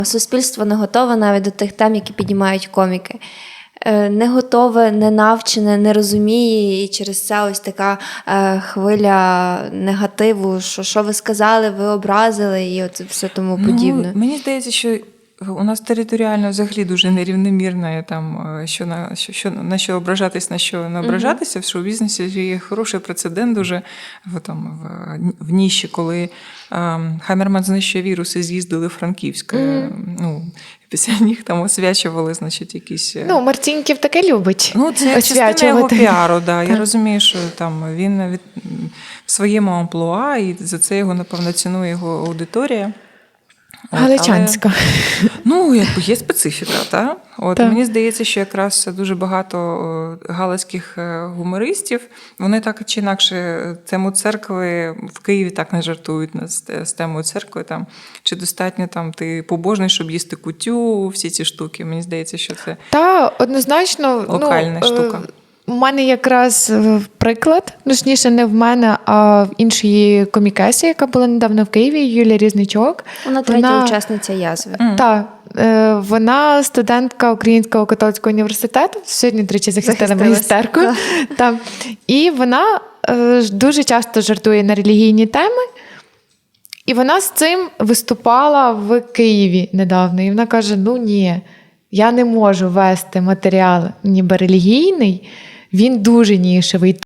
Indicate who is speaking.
Speaker 1: Суспільство не готове навіть до тих тем, які піднімають коміки. Не готове, не навчене, не розуміє, і через це ось така хвиля негативу, що ви сказали, ви образили, і от все тому подібне.
Speaker 2: Мені здається, що у нас територіально взагалі дуже нерівномірно, там, на що ображатись, на що не ображатися. В шоу-бізнесі є хороший прецедент дуже в ніші, коли Хамерман знищує вірус і з'їздили в Франківськ. Після них там освячували, значить, якісь...
Speaker 3: Марцінків таке любить
Speaker 2: це частина його піару, да. Я
Speaker 3: Так.
Speaker 2: розумію, що там він в своєму амплуа, і за це його, напевно, цінує його аудиторія.
Speaker 3: Галичанська.
Speaker 2: Якби є специфіка, так? Мені здається, що якраз дуже багато галицьких гумористів, вони так чи інакше тему церкви в Києві так не жартують з темою церкви. Там, чи достатньо там ти побожний, щоб їсти кутю, всі ці штуки. Мені здається, що це
Speaker 3: однозначно,
Speaker 2: локальна штука.
Speaker 3: У мене якраз приклад, точніше не в мене, а в іншій комікесі, яка була недавно в Києві, Юлія Різничок.
Speaker 1: Вона третя учасниця «Язви».
Speaker 3: Так, вона студентка Українського католицького університету, сьогодні, до речі, захистила магістерку. Так. І вона дуже часто жартує на релігійні теми. І вона з цим виступала в Києві недавно. І вона каже, ні, я не можу вести матеріал ніби релігійний, він дуже нішевий.